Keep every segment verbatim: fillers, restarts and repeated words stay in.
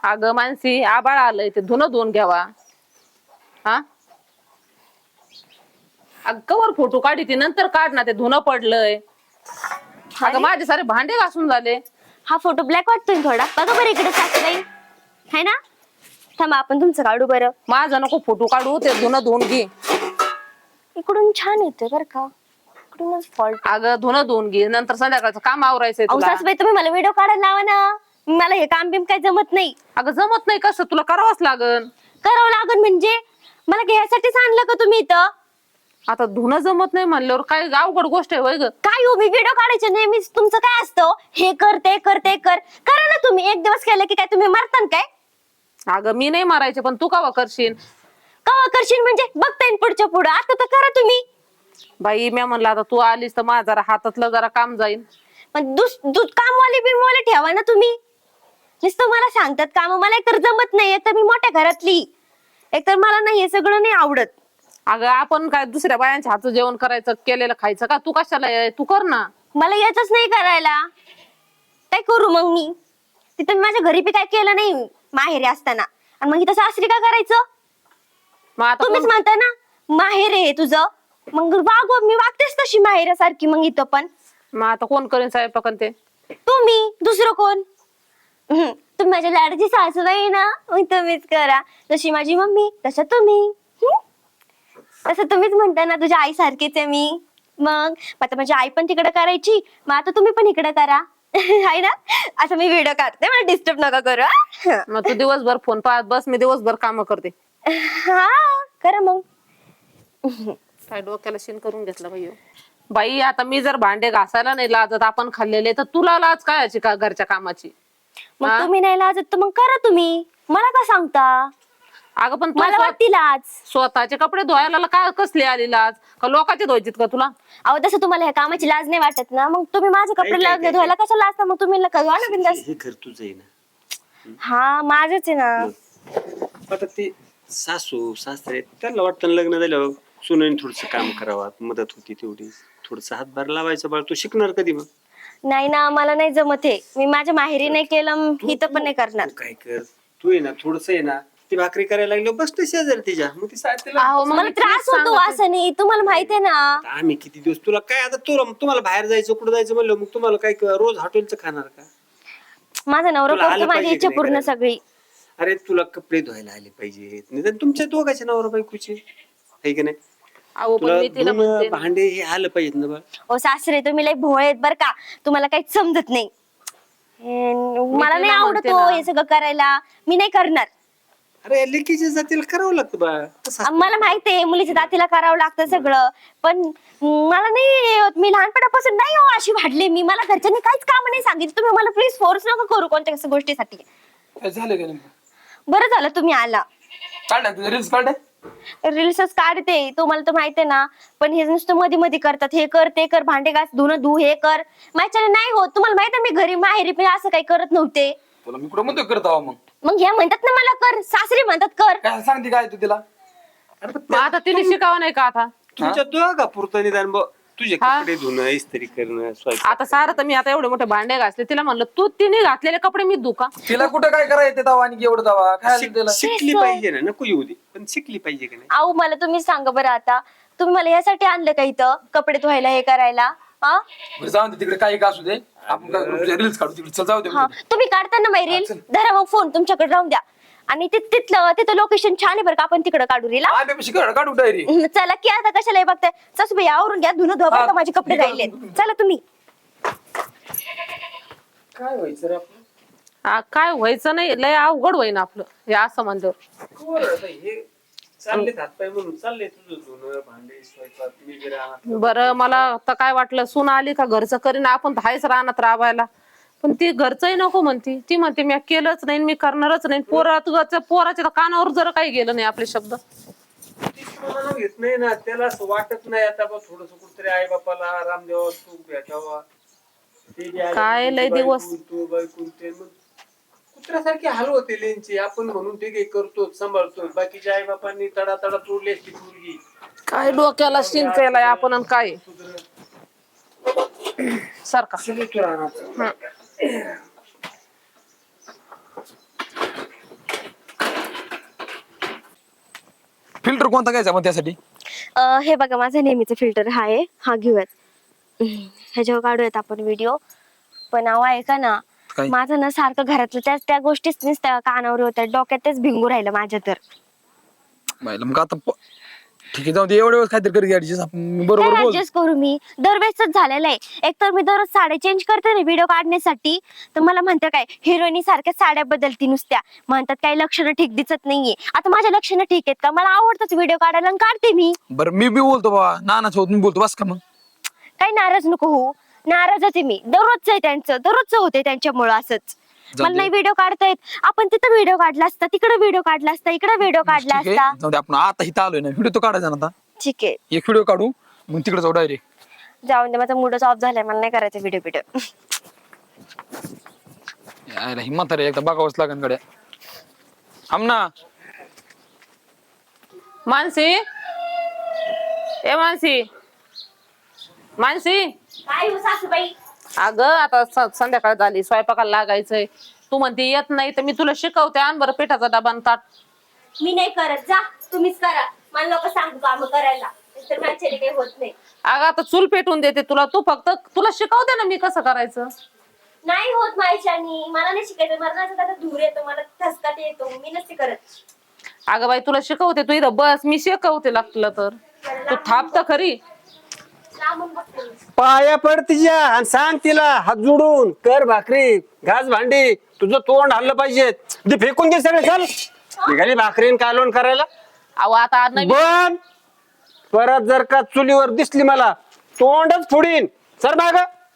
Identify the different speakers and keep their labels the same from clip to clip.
Speaker 1: अगं मानसी आबाळ आलंय ते धुणं धुवून घ्यावा. हा अगं कवर फोटो काढी ती नंतर काढ ना, ते धुणं पडलंय. अगं माझे सारे भांडे घासून झाले.
Speaker 2: हा फोटो ब्लॅक वाटतोय थोडा. बघा बरं इकडे सासूबाई है ना. थांबा आपण तुमचं काढू बरं.
Speaker 1: माझा नको फोटो काढू, ते धुणं धुवून घे.
Speaker 2: इकडून छान येते बरं का. इकडूनच फॉल्ट.
Speaker 1: अगं धुणं धुवून घे, नंतर संध्याकाळचं काम आवरायचंय
Speaker 2: अहो
Speaker 1: तुला.
Speaker 2: सासूबाई तुम्ही मला व्हिडिओ काढायला लावा ना. मला हे काम बिम काय जमत नाही.
Speaker 1: अगं जमत नाही कसं, तुला करावंच लागन.
Speaker 2: करावं लागन म्हणजे मला घ्यायसाठीच आणलं का तुम्ही इथं.
Speaker 1: आता धुणं जमत नाही म्हणल्यावर काय अवघड गोष्ट आहे होय ग.
Speaker 2: काय हो, मी व्हिडिओ काढायचे नेहमीच तुमचं काय असतं, हे कर ते कर ते कर. करा ना तुम्ही. एक दिवस केलं की काय तुम्ही मरतान काय.
Speaker 1: अगं मी नाही मारायचे, पण तू कवा करशील.
Speaker 2: कवा करशील म्हणजे बघता येईल पुढच्या पुढं. आता तर करा तुम्ही.
Speaker 1: बाई मी म्हणलं आता तू आलीस तर माझं जरा हातातलं जरा काम जाईल.
Speaker 2: पण दुस दूध कामवाली बिमवाले ठेवा ना तुम्ही. नुसतं मला सांगतात काम. मला एकतर जमत नाही. एकतर मी मोठ्या घरातली. एकतर मला नाही हे सगळं नाही आवडत.
Speaker 1: अगं आपण काय दुसऱ्या बायांच्या हातचं जेवण करायचं, केलेलं खायचं का. तू कशाला ये? तू कर ना.
Speaker 2: मला येतच नाही करायला. काय करू मग मी. तिथं मी माझ्या घरी बी काय केलं नाही माहेरी असताना. आणि मग इथं सासरी काय करायचं.
Speaker 1: मग आता
Speaker 2: तुम्हीच
Speaker 1: कोण-
Speaker 2: म्हणता ना माहेर आहे तुझं. मग वागव मी वागतेच तशी माहेरासारखी. मग इथं पण
Speaker 1: मग आता कोण करेन स्वयंपाक आणि ते.
Speaker 2: तुम्ही. दुसरं कोण. हम्म. तुम्ही माझ्या लाडाची सासूबाई ना. मग तुम्हीच करा. जशी माझी मम्मी तसं तुम्ही. हम्म. तसं तुम्हीच म्हणता ना तुझ्या आई सारखीच आहे मी. मग आता माझी आई पण तिकडे करायची. मग आता तुम्ही पण इकडे करा. आहे ना. असं मी व्हिडिओ काढते. मला डिस्टर्ब नका करू हा.
Speaker 1: मग तू दिवसभर फोन पाहत बस, मी दिवसभर काम करते.
Speaker 2: हा करा मग.
Speaker 1: काय डोक्याला शिन करून घेतलं बाई. बाई आता मी जर भांडे घासायला नाही लाजत आपण खाल्लेले, तर तुला लाज काय याची का घरच्या कामाची.
Speaker 2: मग
Speaker 1: हा?
Speaker 2: तुम्ही नाही लाजत तर मग करा तुम्ही. मला का सांगता.
Speaker 1: अगं पण तू
Speaker 2: मला
Speaker 1: स्व-
Speaker 2: वाटती लाज.
Speaker 1: स्वतःचे कपडे धुवायला काय कसली आली लाज, का लोकांचे धुवायचीत का तुला.
Speaker 2: अहो तसं तुम्हाला ह्या कामाची लाज नाही वाटत ना. मग तुम्ही माझे कपडे
Speaker 3: काय-
Speaker 2: लाज
Speaker 3: काय-
Speaker 2: धुवायला कशाला लाजता. मग तुम्ही नका धुवा ना बिंदास.
Speaker 3: हे घर तुझं आहे ना.
Speaker 2: हा माझच आहे ना.
Speaker 3: आता ते सासू सासरे त्यांना वाटतं लग्न झाल्यावर सुनेने थोडस काम करावं, मदत होती तेवढी. थोडस हातभार लावायचं. बाळ तू शिकणार कधी मग.
Speaker 2: नाही ना मला नाही जमत हे. मी माझ्या माहेरी नाही केलं इथं पण नाही करणार.
Speaker 3: तू काय कर, तू आहे ना थोडस आहे ना ती भाकरी करायला लागलो बस ते शेजारी तिच्या. मग ती साथीला
Speaker 1: अहो, मग
Speaker 2: मला
Speaker 1: मी
Speaker 2: त्रास
Speaker 1: तेच
Speaker 2: होतो
Speaker 1: सांगते.
Speaker 2: असं नाही. तुम्हाला माहिती आहे ना.
Speaker 3: आम्ही किती दिवस तुला काय आता तुला तुम्हाला बाहेर जायचं कुठं जायचं म्हणलं मग तुम्हाला काय रोज हॉटेलचं खाणार का.
Speaker 2: माझा नवरा
Speaker 3: तुला आलं
Speaker 2: करतो माझी
Speaker 3: पाहिजे
Speaker 2: इच्छा
Speaker 3: की नाही
Speaker 2: पूर्ण
Speaker 3: करायला?
Speaker 2: सगळी.
Speaker 3: अरे तुला कपडे धुवायला आले पाहिजेत, निदान तुमच्या दोघांच्या नवरा बायकोचे आहे की नाही.
Speaker 1: अहो पण
Speaker 3: तुला
Speaker 1: मी तिला
Speaker 3: धुणं,
Speaker 1: म्हणते
Speaker 3: भांडे हे आलं पाहिजेत ना बा.
Speaker 2: ओ सासरे तुम्ही लय भोळे आहेत बर का. तुम्हाला काहीच समजत नाही. हे, मला
Speaker 1: तिला
Speaker 2: नाही आवडत
Speaker 1: म्हणते
Speaker 2: हो
Speaker 1: ना.
Speaker 2: हे सगळं करायला. मी नाही करणार.
Speaker 3: अरे लेकीच्या जातीला करावं लागतं बा. तसं असतं.
Speaker 2: मला माहिती आहे मुलीच्या दातीला करावं लागतं सगळं. पण मला नाही होत. मी लहानपणापासून नाही हो अशी वाढले मी. मला घरच्यांनी काहीच काम नाही सांगितलं. तुम्ही मला प्लीज फोर्स नका करू कोणत्या गोष्टीसाठी.
Speaker 4: काय झालं का नेमकं.
Speaker 2: बरं झालं तुम्ही आला.
Speaker 4: काढ ना तुझे रील्स काढ.
Speaker 2: रील्सच काढते तुम्हाला तर माहितीये ना. पण हे नुसतं मध्ये मध्ये करतात. हे कर ते कर भांडे घास धुणं धु हे कर. माझ्याने नाही होत. तुम्हाला माहिती आहे मी घरी माहेरी पण असं काही करत नव्हते.
Speaker 4: तुला मी कुठं म्हणतो करत आहो मग.
Speaker 2: मग ह्या म्हणतात ना मला कर. सासरी म्हणतात कर.
Speaker 4: काय सांगते काय तू तिला.
Speaker 3: अरे पण
Speaker 1: मग आता तिने शिकावं नाही का आता.
Speaker 3: तुमच्या दोघा पुरतं निदान बुवा. तुझे
Speaker 1: हा?
Speaker 3: कपडे धुणं इस्त्री करणं स्वयंपाक.
Speaker 1: आता सारं तर मी आता एवढे मोठे भांडे घासले, तिला म्हणलं तू तिने घातलेले कपडे मी धुका.
Speaker 4: तिला कुठं काय करायचं दावा आणि एवढं दावा काय
Speaker 3: शिक-
Speaker 4: तिला.
Speaker 3: शिकली पाहिजे ना. नको येऊ दे पण शिकली पाहिजे की नाही.
Speaker 2: आऊ मला तुम्ही सांगा बरं आता. तुम्ही मला यासाठी आणलं का इथं कपडे धुवायला हे करायला. हा
Speaker 4: बरं जाऊन दे तिकडे काही का असू दे. आपण काय रील्स काढू तिकडे. चल जाऊ दे.
Speaker 2: हा तुम्ही काढताना बाई रील
Speaker 4: चल.
Speaker 2: धरा मग फोन तुमच्याकडे राहून द्या. आणि ते तिथलं तिथं लोकेशन छान आहे बरं का. आपण तिकडे काढू रील.
Speaker 4: आम्ही पण शिकवणार काढू डायरी.
Speaker 2: चला की आता कशाला हे बघताय. सासूबाई आवरून घ्या धुणं धुवा बरं का. माझे कपडे राहिले. चला तुम्ही.
Speaker 4: काय व्हायचं रे आपलं.
Speaker 1: आ, काय व्हायचं नाही, लय अवघड होईन आपलं हे असं म्हणल्यावर.
Speaker 3: बरं, आता हे चालले हातपाय म्हणून चालले तुझं धुणं भांडे स्वयंपाक मी जरी आणत.
Speaker 1: बरं मला आता काय वाटलं सून आली का घरचं करीन आपण तर हायच रानात राबायला. पण ती घरचंही नको म्हणती. ती म्हणते मी केलंच नाही मी करणारच नाही. पोरात पोराच्या तर कानावर जर काही गेलं नाही आपले शब्द.
Speaker 3: म्हणून घेत नाही ना त्याला असं वाटत नाही आता बा थोडस कुठतरी आई बापाला आराम द्यावा तू भेटावा. ते बी आले,
Speaker 1: काय लय
Speaker 3: तू
Speaker 1: दिवस.
Speaker 3: बायकून, तू बायकून ते मग कुत्र्यासारखे हाल होते लेंचे. आपण म्हणून ते काही करतो सांभाळतो. बाकीच्या आई बापांनी तडा तडा तोडली असती मुलगी.
Speaker 1: काय डोक्याला शिन केलाय आपण आणि काय सारखा.
Speaker 3: सगळे तू राहणार.
Speaker 4: फिल्टर कोणता घ्यायचा मग त्यासाठी?
Speaker 2: अं, हे बघा माझा नेहमीचा फिल्टर हा आहे, हा घेऊयात. हम्म, ह्याच्यावर काढूयात आपण व्हिडिओ. पण अहो ऐका ना,
Speaker 4: काय?
Speaker 2: माझं ना सारखं घरातलं त्याच त्या गोष्टीच नुसत्या कानावर होत्या, डोक्यात तेच भिंगू राहिलं माझ्या तर.
Speaker 4: बाईला मग आता प- ठीक आहे, जाऊ दे, एवढ्या वेळेस काहीतरी करी ऍडजस्ट आपण, बरोबर
Speaker 2: काय
Speaker 4: बोल.
Speaker 2: ऍडजस्ट करू मी? दरवेळेसच झालेलं आहे. एक तर मी दररोज साड्या चेंज करते ना व्हिडिओ काढण्यासाठी, तर मला म्हणतात काय हिरोईनी सारख्या साड्या बदलती नुसत्या, म्हणतात काही लक्षणं ठीक दिसत नाहीये. आता माझ्या लक्षणं ठीक आहेत का? मला आवडतच व्हिडिओ काढायला आणि काढते मी.
Speaker 4: बरं मी बी बोलतो बाबा, नाना सोबत मी बोलतो, बस का मग.
Speaker 2: काही नाराज नको हो, नाराजच आहे मी. दररोजच आहे त्यांचं, दररोजच होते त्यांच्यामुळं असंच.
Speaker 4: जाऊ
Speaker 2: मला
Speaker 4: दे.
Speaker 2: नाही व्हिडिओ काढता येत. आपण तिथं व्हिडिओ काढला असता, तिकडे व्हिडिओ काढला असता, इकडे व्हिडिओ काढला
Speaker 4: ठीक
Speaker 2: असता.
Speaker 4: आहे, जाऊ दे, आपण आता इथं आलोय ना, व्हिडिओ तो काढायचा ना आता.
Speaker 2: ठीक आहे,
Speaker 4: एक व्हिडिओ काढू मग तिकडे जाऊ डायरेक्ट.
Speaker 2: जाऊन दे, माझा मूडच ऑफ झालाय, मला नाही करायचं व्हिडिओ व्हिडिओ.
Speaker 4: यायला हिम्मत रे, एकदा बघावंच लागेल गड्या. थांब ना.
Speaker 1: मानसी, ए मानसी, मानसी.
Speaker 2: काय हो सासूबाई?
Speaker 1: अगं आता स- संध्याकाळ झाली, स्वयंपाकाला लागायचंय. तू म्हणते येत नाही तर मी तुला शिकवते, आण बरं पिठाचा डबा आणि ताट.
Speaker 2: मी नाही करत, जा तुम्हीच करा. मला नको सांगू काम करायला, तर माझ्याने काही होत नाही.
Speaker 1: अगं आता चूल पेटून देते तुला, तू फक्त तुला शिकवते ना मी कसं करायचं.
Speaker 2: नाही होत माझ्यानी, मला नाही शिकायचं. मरणाचा आता धूर येतो, मला ठसकाट येतो, मी नसते करत.
Speaker 1: अगं बाई तुला शिकवते, तू इथं बस, मी शिकवते लागलं तर. तू थांब तर खरी.
Speaker 2: लांबून बघते मी.
Speaker 3: पाया पड तिच्या आणि सांग तिला हात जोडून कर भाकरी, घास भांडी, तुझं तोंड हल्लं पाहिजे. ते फेकून दे सगळे, चल निघाली भाकरीन कालवण करायला.
Speaker 1: अहो आता नवीन
Speaker 3: पण परत जर का चुलीवर दिसली मला तोंडच फोडीन. सर माग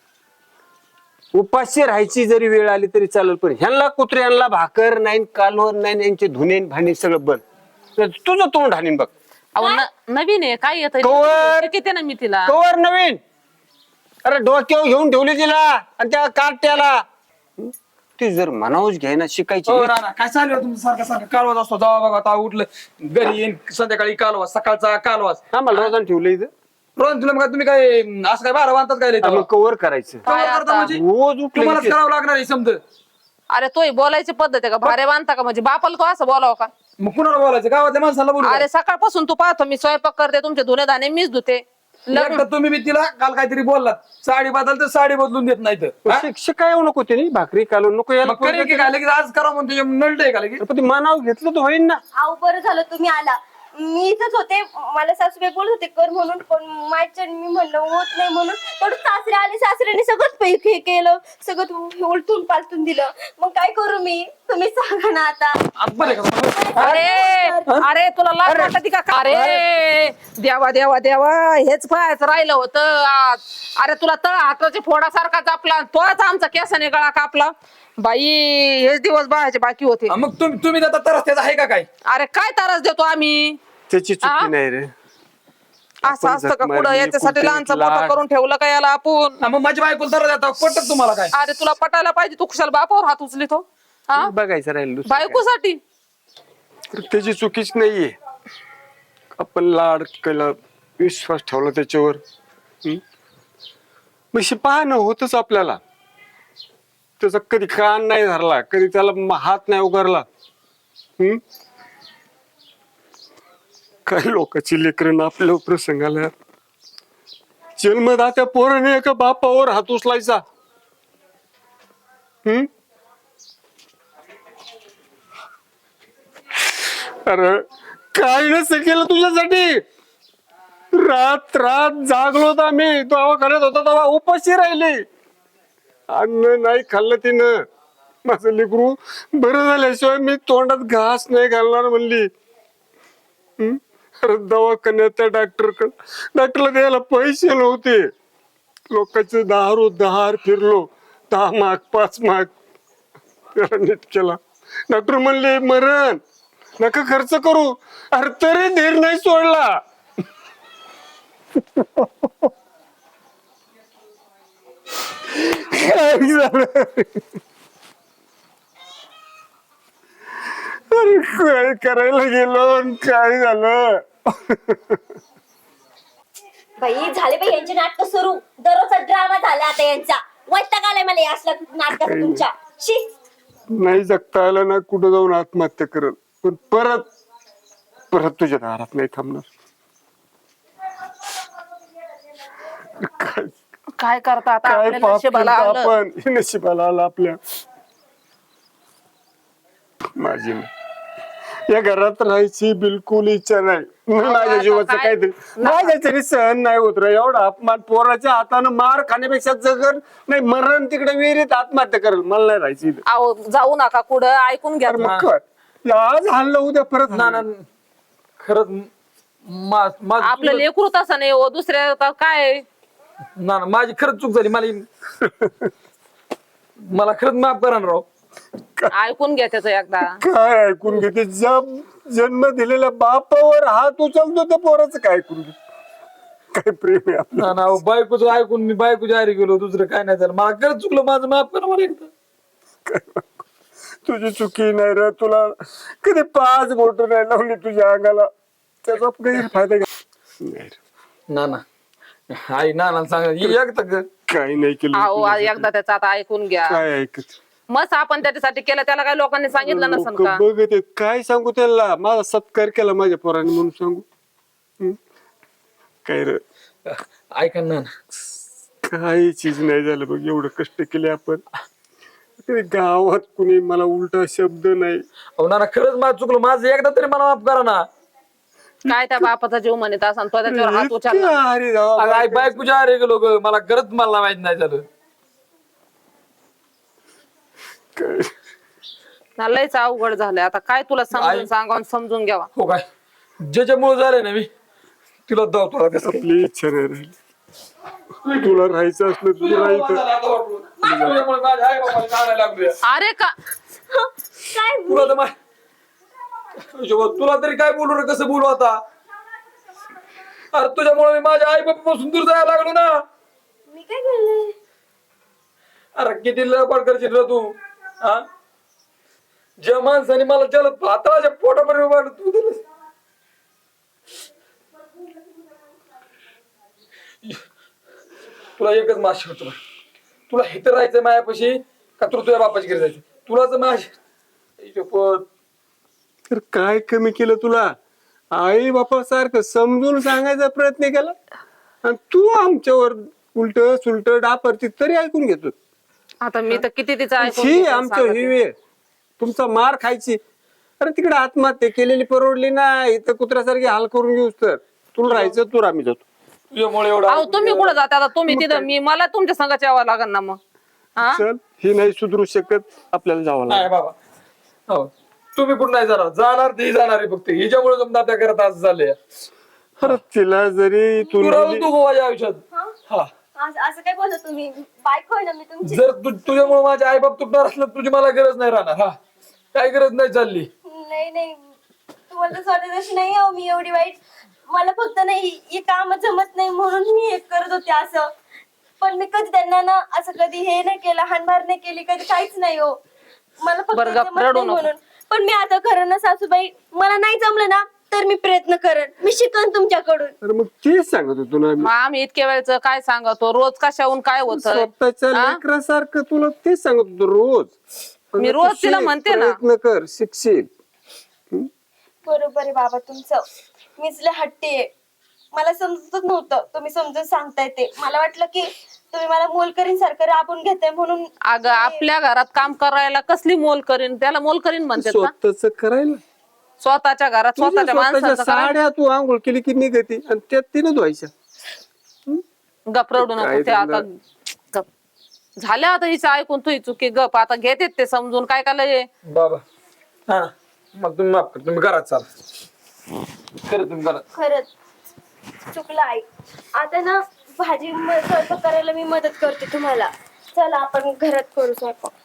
Speaker 3: उपाशी राहायची जरी वेळ आली तरी चालेल, पण ह्यांना कुत्र्यांना भाकर नाही, कालवण नाही, यांचे धुणे भांडी सगळं बंद. तर तुझं तोंड हाणीन बघ.
Speaker 1: अहो न- नवीन आहे काय येत
Speaker 3: कवर.
Speaker 1: किती ना मी तिला.
Speaker 3: कवर नवीन. अरे डोक्यावर घेऊन ठेवली तिला आणि त्या कार्ट्याला. हं? ती जर मनावच घ्यायना शिकायची.
Speaker 4: हो नाना, काय चालू आहे तुमचं? सारखं सारखं कालवाच असतो, जावा बघा आता उठलं घरी येईन, संध्याकाळी कालवास, सकाळचा कालवास.
Speaker 3: आम्हाला रोजानं ठेवलं इथं.
Speaker 4: रोज तुला मग तुम्ही काय असं काय बारा बांधतात काय लय
Speaker 3: मग
Speaker 4: तेव्हा?
Speaker 3: कवर करायचं.
Speaker 1: काय
Speaker 4: कवर करता
Speaker 1: आता?
Speaker 4: म्हणजे?
Speaker 3: रोज उठलं
Speaker 4: तुम्हालाच
Speaker 3: की ते-
Speaker 4: करावं लागणार आहे समज.
Speaker 1: अरे तोही बोलायची पद्धत आहे का? भारे बांधता का? म्हणजे बापाला तो असं बोलावं का?
Speaker 4: मग कुणाला बोलायचं? गावातल्या माणसाला बोलू
Speaker 1: अरे सकाळपासून तू पाहतो मी स्वयंपाक करते, तुमचे धुणे धाणे मीच धुते. लग्न
Speaker 4: एकदा तुम्ही बी तिला काल काहीतरी बोललात, साडी बदल तर साडी बदलून देत नाही तर. हा?
Speaker 3: शिक- शिकाय येऊ नको ते भाकरी कालवण नको यायला.
Speaker 4: मग करेल की काय लगेच आज करा म्हणतो, नळट आहे का लगेच?
Speaker 3: पण ते मनावर घेतलं तर होईन ना.
Speaker 2: आऊ बरं झालं तुम्ही आला. मी इथंच होते, मला सासूबाई बोलत होते कर म्हणून, पण माझ्या मी म्हणलं होत नाही म्हणून. पण सासरे आले, सासऱ्याने सगळंच पैकी हे केलं, सगळं उलटून पालटून दिलं. मग काय करू मी? तुम्ही सांगा ना आता.
Speaker 4: आज बरं आहे का तुम्हाला?
Speaker 1: अरे अरे तुला लाज वाटते का? अरे देवा देवा देवा, हेच पाहायचं राहिलं होतं आज. अरे तुला तळ हाताच्या फोडासारखा कापला, तोच आमचा केसाने गळा कापला. बाई हेच दिवस बाळाचे बाकी होते.
Speaker 4: हा, मग तुम्ही तुम्ही आता तरच त्याचा आहे का काय?
Speaker 1: अरे काय त्रास देतो आम्ही?
Speaker 3: त्याची
Speaker 1: आ?
Speaker 3: चुकी नाही रे.
Speaker 1: असं
Speaker 3: आपण
Speaker 1: असतं
Speaker 3: जख
Speaker 1: का कुठं?
Speaker 3: मारली,
Speaker 1: याच्यासाठी
Speaker 3: कुठे
Speaker 1: लहानचं
Speaker 3: लाड.
Speaker 1: मोठं करून ठेवलं का याला आपण?
Speaker 4: हा, मग माझी बायकोला तर देता पटत तुम्हाला काय?
Speaker 1: अरे तुला पटायला पाहिजे, तू कुशाल बापावर हात उचलितो हा
Speaker 3: बघायचं राहील दुसरं काय.
Speaker 1: बायकोसाठी.
Speaker 3: तर त्याची चुकीच नाहीये. आपण लाड केला, विश्वास ठेवला त्याच्यावर. हं? मग पाहणं होतच आपल्याला. त्याचा कधी कान नाही धरला, कधी त्याला म- हात नाही उगारला. हम्म काही लोकांची लेकरं आपल्या प्रसंगाला जन्मदात्या पोराने एका बापावर हात उचलायचा. हम्म अरे काय नसतं केलं तुझ्यासाठी. रात रात जागलो होता आम्ही, दवाखान्यात होता तेव्हा उपाशी राहिले. अन्न नाही खाल्लं तिनं. माझं लेकरू बरं झाल्याशिवाय मी तोंडात घास नाही घालणार म्हणली. हम्म? अरे दवाखान्यात त्या डॉक्टरकडे डॉक्टरला द्यायला पैसे नव्हते. लोकांचे दहा रो दहार फिरलो, दहा माग पाच माग त्याला नीट केला. डॉक्टर म्हणले मरण नका खर्च करू. अरे तरी धीर नाही सोडला. काय झालं अरे काय करायला गेलो आणि काय झालं.
Speaker 2: बाई झाले बाई यांचे नाटक सुरू. दररोजचा ड्रामा झाला आता यांचा. वैताग आलाय मला या असल्या नाटकाचा तुमच्या. शी.
Speaker 3: नाही जगता आलं ना कुठं जाऊन आत्महत्या करत, पण परत परत तुझ्या दारात नाही थांबणार. काय
Speaker 1: काय करता आता
Speaker 3: काय
Speaker 1: आपल्या
Speaker 3: पाप
Speaker 1: नशिबाला
Speaker 3: केलं
Speaker 1: आलं.
Speaker 3: आपण, हे नशिबाला आलं आपल्या. माझी नाही. या घरात राहायची बिलकुल इच्छा नाही. माझ्या
Speaker 1: आता
Speaker 3: जीवाचं
Speaker 1: काय-
Speaker 3: काहीतरी माझ्या तरी सहन नाही होत रे एवढा अपमान. पोराच्या हातानं मार खाण्यापेक्षा जगन नाही मरण तिकडे विहिरीत आत्महत्या करेल. मला नाही राहायची इथं.
Speaker 1: अहो जाऊ नका कुठं, ऐकून घ्या.
Speaker 3: अरे मग कर. आज हाणलं उद्या परत
Speaker 4: ना ना
Speaker 3: हाणलं.
Speaker 4: खरंच मा- माझं
Speaker 1: आपलं
Speaker 4: चुकलं.
Speaker 1: लेकरू तसं नाही हो, दुसऱ्या आता काय.
Speaker 4: ना ना माझी खरंच चूक झाली. मला मला खरंच माफ करा ना राव.
Speaker 1: ऐकून घ्या त्याचं एकदा.
Speaker 3: काय ऐकून घेते? जब जन्म दिलेल्या बापावर हात उचलतो त्या पोराचं काय ऐकून घे? काय प्रेम आहे आपलं.
Speaker 4: ना ना अहो, बायकोचं ऐकून मी बायकोच्या आरी गेलो. दुसरं काय नाही झालं. मला खरंच चुकलं. माझं माफ करा मला एकदा.
Speaker 3: तुझी चुकी नाही रे. तुला कधी पाच बोट नाही लावली तुझ्या अंगाला. त्याचा गैरफायदा घ्या. नाही रे.
Speaker 4: ना ना आई ना ना सांगा एकदा ग-
Speaker 3: काही नाही केलं
Speaker 1: अहो
Speaker 3: तुझ्यासाठी.
Speaker 1: एकदा त्याचं आता ऐकून घ्या.
Speaker 3: काय ऐकत
Speaker 1: मस्त आपण त्याच्यासाठी केलं, त्याला काय लोकांनी सांगितलं नसन
Speaker 3: लोक
Speaker 1: का?
Speaker 3: बघत आहेत. काय सांगू त्याला? माझा सत्कार केला माझ्या पोराने म्हणून सांगू? हं? काय रे
Speaker 4: ऐका ना ना.
Speaker 3: काही चीज नाही झालं बघ. एवढं कष्ट केले आपण. तरी गावात कुणी मला उलटा शब्द नाही.
Speaker 4: अहो ना ना खरंच माझं चुकलं. माझं एकदा तरी मला माफ करा ना.
Speaker 1: काय त्या बापाचा जीव म्हणत असन तो त्याच्यावर हात उचलला.
Speaker 3: इतकं अरे राव,
Speaker 4: अगं आई बायकोच्या आरी गेलो ग. मला खरंच मला माहित नाही झालं.
Speaker 3: काय
Speaker 1: ना लयच अवघड झालंय आता. काय तुला समजून
Speaker 4: आई-
Speaker 1: सांगावं, समजून घ्यावा.
Speaker 4: हो काय ज्याच्यामुळे झालंय ना मी तिला धावतो आता कसं.
Speaker 3: आपली इच्छा नाही राहिली. तुला राहायचं असलं तर तुला इथं
Speaker 4: तुझ्यामुळे माझ्या आई बाबाला काढायला लागलोय.
Speaker 1: अरे का
Speaker 2: काय
Speaker 4: तुला तर मा- तुला तरी काय बोलू रे? कसं बोलू आता? अरे तुझ्यामुळे मी माझ्या आई बापापासून दूर जायला लागलो ना.
Speaker 2: मी काय केलंय?
Speaker 4: अरे किती लपाट करशील रे तू? हा ज्या माणसाने मला जलद भाताच्या पोटापर्यंत उभारलं तू दिलंस. तुला एकच माशी होतो. तुला इथं राहायचंय मायापाशी का तुला तुझ्या बापाची घरी जायचं? तुलाच माझी शपथ.
Speaker 3: तर काय कमी केलं तुला? आई बापा सारखं समजून सांगायचा प्रयत्न केला आणि तू आमच्यावर उलट सुलट डापरती तरी ऐकून घेतो.
Speaker 1: आता मी तर किती तिचं ऐकून
Speaker 3: ही
Speaker 1: घेते,
Speaker 3: आमच्या
Speaker 1: सांगते.
Speaker 3: ही वेळ तुमचा मार खायची. अरे तिकडे आत्महत्या केलेली परवडली ना. इथं कुत्र्यासारखी हाल करून घेऊस तर तुला राहायचं तू आम्ही जातो.
Speaker 4: तुझ्यामुळे एवढा
Speaker 1: अहो तुम्ही कुठं जाता आता? तुम्ही तिथं, मी मला तुमच्या संघात यावं लागेल ना मग. हा
Speaker 3: चल ही नाही सुधरू शकत आपल्याला जावं लागेल.
Speaker 4: नाही बाबा. हो तुम्ही कुठं नाही जाणार. जाणार ती जाणार आहे फक्त. हिच्यामुळे तुमच्या त्या करत असं झालंय.
Speaker 3: अरे तिला जरी तू
Speaker 4: तू राहून तू माझ्या आयुष्यात. हा
Speaker 2: असं असं काय बोलत तुम्ही? बायको आहे ना मी तुमची.
Speaker 4: जर तू तुझ्यामुळे माझे आई बाप तुटणार असलं तर तुझी मला गरज नाही राहणार. हा काही गरज नाही चालली.
Speaker 2: नाही नाही तुम्हाला तर स्वतः तशी नाही हो मी एवढी वाईट. मला फक्त नाही हे काम जमत नाही म्हणून मी हे करत होते असं. पण मी कधी त्यांना ना असं कधी हे नाही केलं, हाणमार नाही केली कधी, काहीच नाही हो. मला फक्त
Speaker 1: बरं, गप,
Speaker 2: जमत
Speaker 1: रडू
Speaker 2: नाही
Speaker 1: नको.
Speaker 2: म्हणून. पण मी आता खरं ना सासूबाई, मला नाही जमलं ना तर मी प्रयत्न करेन. मी शिकन तुमच्याकडून.
Speaker 3: अरे मग तेच सांगत होतो ना
Speaker 1: मग आम्ही इतक्या वेळच काय सांगतो, रोज कशाहून काय होत.
Speaker 3: स्वतःच्या लेकरासारखं तुला तेच सांगत होतो रोज.
Speaker 1: मी रोज तिला म्हणते ना.
Speaker 3: प्रयत्न कर शिकशील.
Speaker 2: बरोबर आहे बाबा तुमचं. मीच लय हट्टी आहे. मला समजतच नव्हतं तुम्ही समजून सांगताय ते. मला वाटलं की तुम्ही मला मोलकरीन सारखं राबून घेताय म्हणून.
Speaker 1: अगं आपल्या घरात काम करायला कसली मोल करीन? त्याला मोल करीन म्हणतात का?
Speaker 3: स्वतःच करायला
Speaker 1: स्वतःच्या घरात
Speaker 3: तुझ्या
Speaker 1: स्वतःच्या
Speaker 3: स्वतःच्या
Speaker 1: माणसाचं करायला.
Speaker 3: साड्या तू आंघोळ केली की निघते आणि त्यात तिने धुवायच्या.
Speaker 1: गप रडू नको
Speaker 3: काय
Speaker 1: ते आता. गप झालं आता हिचं ऐकून तुही चुकी. गप आता घेते ते समजून. काय काय लय
Speaker 4: बाबा हा मग तुम्ही माफ कर. तुम्ही घरात चाल. खरं तुम्ही घरात.
Speaker 2: खरंच चुकलं आई. आता ना भाजी म- स्वयंपाक करायला मी मदत करते तुम्हाला. चला आपण घरात करू स्वयंपाक.